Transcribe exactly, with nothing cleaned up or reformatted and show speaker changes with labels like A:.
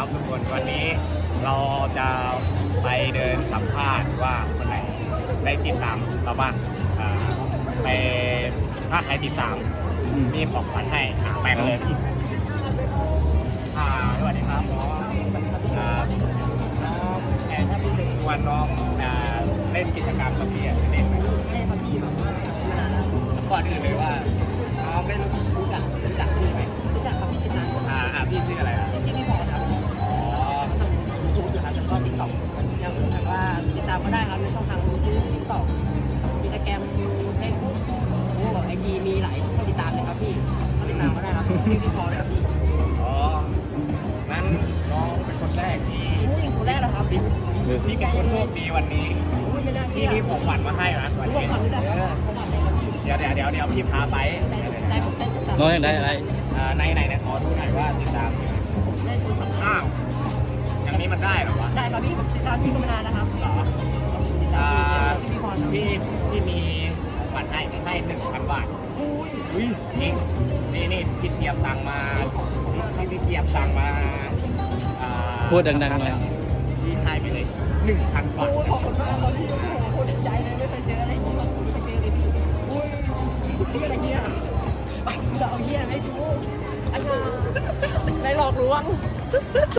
A: ครับทุกคนวันนี้เราจะไปเดินสัมภาษณ์ว่าคนไหนได้ติดตามเราบ้างอ่าไปถ้าใครติดตามมีของขวัญให้อ่าไปกันเลยอ่าสวัสดีครับน้องอ่าน้องแอนถ้าพี่จะชวนน้องอ่าเล่นกิจกรรมกับพี่อ่ะจะเล่นไหม
B: เล่นครับพี่แบบว่ามานานแล้ว
A: ก่อนอื่นเลยว่าน้องได้รู้จักรู้จักพี่ไหม
B: รู้จักครับพี่ติดตามผม
A: อ่าอ่าพี่ชื่ออะไรอ่ะ
B: ชื่อพี่พอครับ
A: อ๋อ
B: ทำยูทูบอยู่ครับแล้วก็ติ๊กต็อกยังแบบว่าติดตามก็ได้ครับในช่องทางยูทูบติ๊กต็อกอินสตาแกรมเฟซบุ๊กโอ้ไอจีมีหลายช่องติดตามเลยครับพี่ก็ติดตามก็ได้ครับชื่อพี่พอเลยครับพี่
A: อ๋องั้นน้องเป็นคนแรกที่
B: อุ้ยคนแรกนะครับพี่
A: พี่เป็นคนโชคดีวันนี้
B: อุ้ยไม่น่า
A: ที่
B: เชื่อ
A: มีของขวัญมาให้นะวัน
B: ผม
A: นี้
B: ขวัญด้วยนะครับผมขวัญเลยครับพี่
A: เดี๋ยวเดี๋ยวเดี๋ยวเดี๋ยวพี่พาไป
B: ได้ได้ผมเต้นตุ๊กตา
C: น้องอยากได้อะไร
A: อ่าในไหนนะขอดูหน่อยว่าติดตามอยู่
B: ได้ตุ๊กตา
A: อ้าวอย่างนี้มันได้เหรอวะ
B: ได้ครับพี่ผมติดตามพี่ก็มานานนะครับ
A: เหรอ
B: ติดตา
A: อ่าม
B: พี่ชื่อพี่พรครับ
A: พี่พี่มีของขวัญให้ให้หนึ่งพันบาท
B: อุ้ย
A: อุ้ยนี่นี่นี่พี่เทียบตังค์มาพี่พี่เทียบตังค์มาอ่า
C: พูดดังๆเลย
A: พี่ให้ไปเลยหนึ่งพันบาท
B: โอ้ยขอบคุณมากครับพี่โอ้โหโคตรดีใจเลยไม่เคยเจออะไรอย่างนี้มาไม่เคยเจอเลยพี่อุ้ยนี่อะไรเนี่ยเราเอาเหี้ยไม่ดูอันนี้ในหลอกลวง